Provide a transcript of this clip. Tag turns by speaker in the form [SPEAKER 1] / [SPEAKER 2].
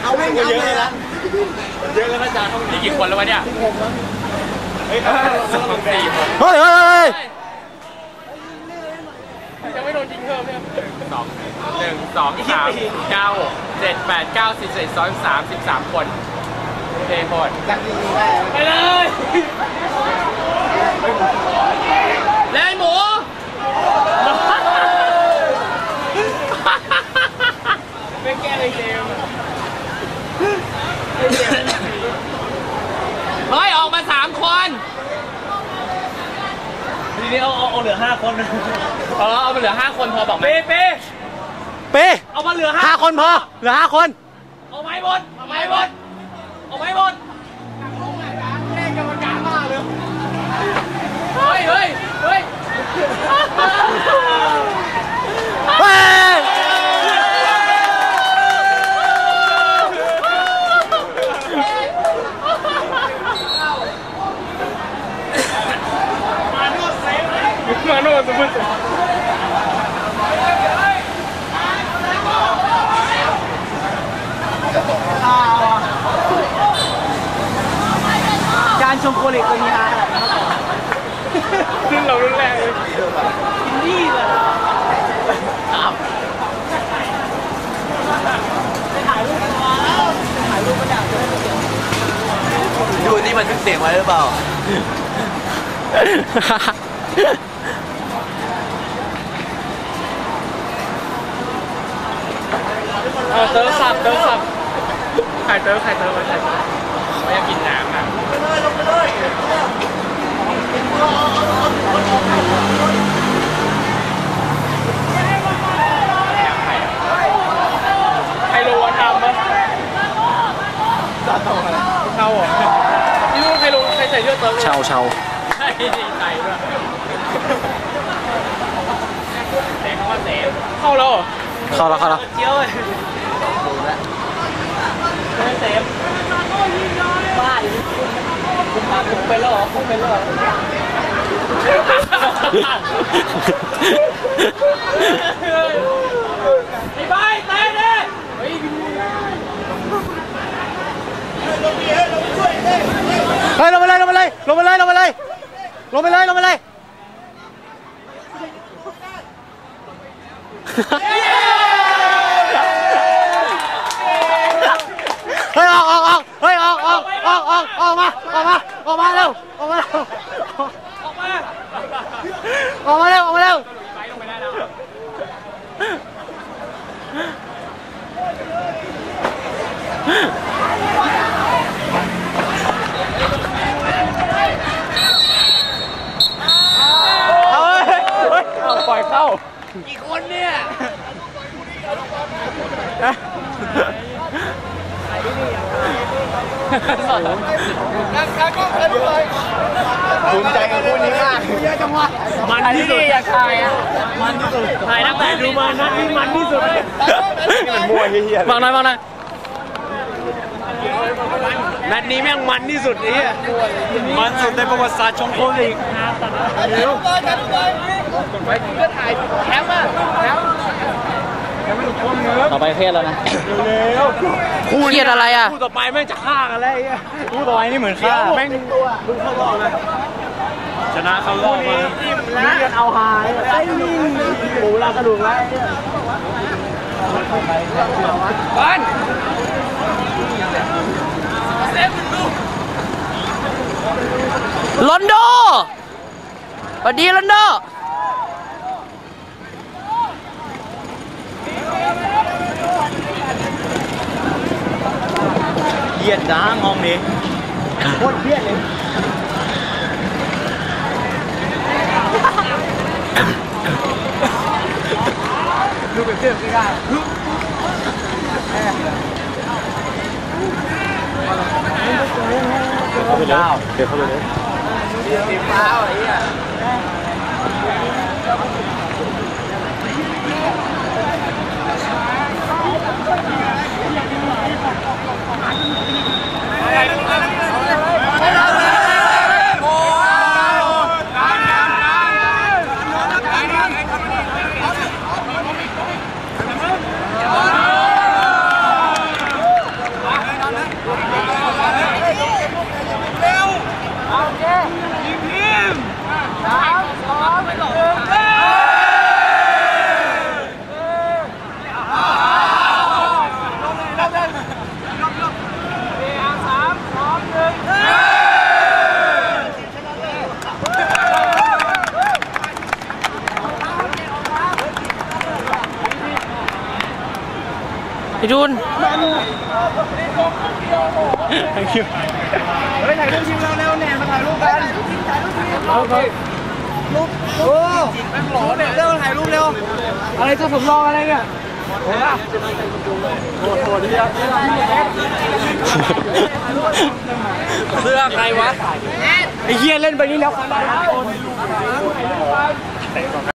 [SPEAKER 1] เอาไม่เยอะเลยนะเยอะแล้วอาจารย์นี่กี่คนแล้ววะเนี่ยเฮ้ย4 คนเฮ้ยยังไม่โดนยิงเพิ่มเนี่ย1 2 3 9 7 8 9 10 11 12 13 13 คนเทหมดไปเลยเล่นหมูไม่แก้เลยเจมเฮ้ยออกมา3 คนทีนี้เอาเหลือ5 คนเอามาเหลือ5 คนพอบอกไหมเป้เอามาเหลือ5 คนพอเหลือ5 คนเอาไม้บดเอาไม้บดแม่กรรมการมาเลยเฮ้ยมาโน่สมมติการชมโคเล็กตัวนี้ฮะรุ่นเรารุ่นแรกเลยอินดี้เลยถ่ายรูปมาแล้วถ่ายรูปมาจากดูนี่มันทึกเสียงไว้หรือเปล่าเติร์ฟสับไข่เติร์ฟเขาอยากกินน้ำอ่ะลงไปเลยไฮโลวันทำมั้ยเช่าเหรอนี่รู้ไฮโลใครใส่เสื้อเติร์ฟเช่าใช่ใส่ด้วยเสียงเขาว่าเสียงเข้าแล้วเจี๊ยวเลยเซฟบ้าดิคุณเป็นแล้วเหรอไอ้ใบเตะดิเฮ้ยลงไปเลยเฮ้ยออกมาเร็วออกมาเร็วไปลงไปได้แล้วปล่อยเข้ากี่คนเนี่ยภูมิใจกับคู่นี้มากมันที่สุดอยากถ่ายอ่ะมันที่สุดถ่ายนักแต่ดูมานัดนี้มันที่สุดนี่มันมวยเฮียบางหน่อยนัดนี้แม่งมันที่สุดนี่มันสุดในประวัติศาสตร์ชงโคลีกไปก็ถ่ายแคมป์อ่ะต่อไปเครียดแล้วนะคู่เครียดอะไรอ่ะคู่ต่อไปแม่งจะฆ่ากันแล้วคู่ต่อไปนี่เหมือนฆ่าแม่งดูเข้ารอบเลยชนะเข้ารอบมานี่กันเอาหายไอ้นี่หมูลากระดูกแล้วบ้านลอนโดสวัสดีลอนโดเยียดจ้างห้องนี้โคตรเยียดเลยดูเป็นเพื่อนไม่ได้เข้าไปแล้วเดี๋ยวเข้าไปเลยสีฟ้าอะไรอ่ะ
[SPEAKER 2] ไอ้ดุน
[SPEAKER 1] thank you ไปถ่ายรูปทีมเราเร็วเนี่ยมาถ่ายรูปกันรูปโอ้แม่งหล่อเนี่ยเร็วถ่ายรูปเร็วอะไรเจ้าสมรองอะไรเนี่ยโหดดีอ่ะเสื้อใครวะไอ้เหี้ยเล่นไปนี่แล้ว